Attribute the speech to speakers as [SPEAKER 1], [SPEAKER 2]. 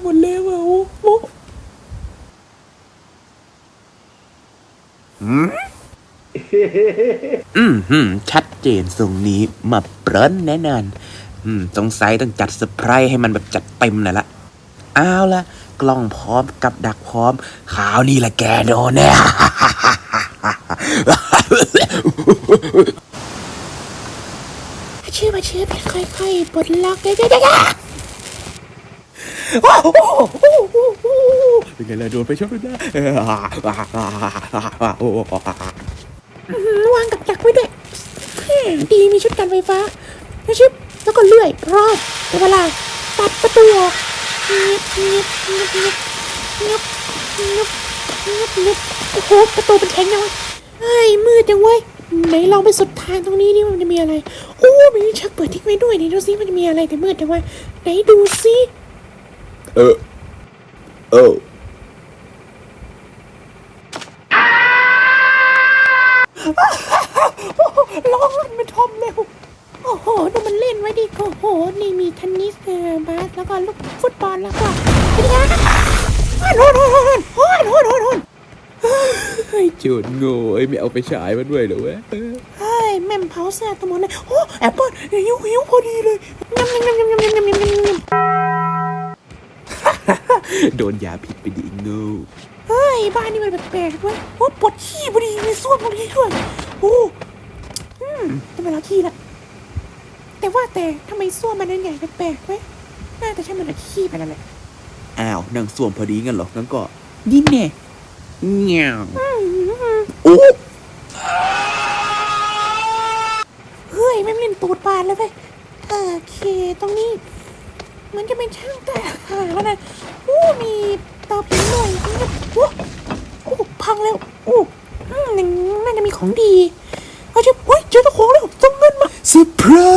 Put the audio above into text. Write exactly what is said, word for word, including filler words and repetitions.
[SPEAKER 1] หมดแล้วอ่ะโอ้โหอืมหืมชัดเจนทรงนี้มาเปรนแน่นอนอืมสงสัยต้องจัดเซอร์ไพรส์ให้มันแบบจัดเต็มหน่อยละเอาละกล้องพร้อมกับดักพร้อมข่าวนี่แหละแกโดนแน่เชื่อมาเชื่อไปค่อยๆปลดล็อกได้ได้ได้เป็นไงล่ะโดนไปชนไปแล้ววางกับดักไว้ด้วยดีมีชุดกันไฟฟ้าแล้วชิบแล้วก็เลื่อยรอบแต่เวลาตัดประตูออกเงียบเงียบเงียบเงียบเงียบเงียบเงียบเงียบโอ้โหประตูเป็นแข็งยังวะเฮ้ยมืดจังเว้ยไหนลองไปสุดทางตรงนี้นี่มันจะมีอะไรโอ้มีชักเปิดทิ้งไว้ด้วยนี่ดูซิมันจะมีอะไรแต่มืดจังวะไหนดูซิเออเออร้องลั่นเป็นทอมเร็วโอ้โหดูมันเล่นไว้ดิโอ้โหนี่มีเทนนิสเออบาสแล้วก็ลูกฟุตบอลแล้วก็เป็นไงโหนโหนโหนโหนโหนโหนโหนไอ้โจรโง่ไอ้ไม่เอาไปฉายมาด้วยเหรอวะเฮ้ยแม่มเผาแซ่ตัวหมดเลยโอ้แอปเปิ้ลหิวหิวพอดีเลยยำยำยำยำยำยำยำยำยำยำโดนยาผิดไปดิโง่เฮ้ยบ้านนี่มันแปลกๆด้วยโอ้ปวดขี้พอดีมีส้วมพอดีด้วยโอ้อืมจะไปล้างขี้ละแต่ว่าแต่ทำไมส้วมมันนั้นใหญ่แปลกๆเว้ยน่าจะใช่มันเอาขี้ไปนั่นแหละอ้าวนั่งส้วมพอดีงั้นเหรองั้นก็ดินแน่เงี้ยวโอ้เฮ้ยแม่งเล่นตูดปานเลยเว้ยโอเคตรงนี้มันจะเป็นช่างแต่ขาแล้วนะโอ้มีเตาผิงหน่อยโอ้โอ้พังแล้วโอ้น่าจะมีของดีเขาจะเฮ้ยเจอตะของแล้วต้องเงินมาเซอร์ไพร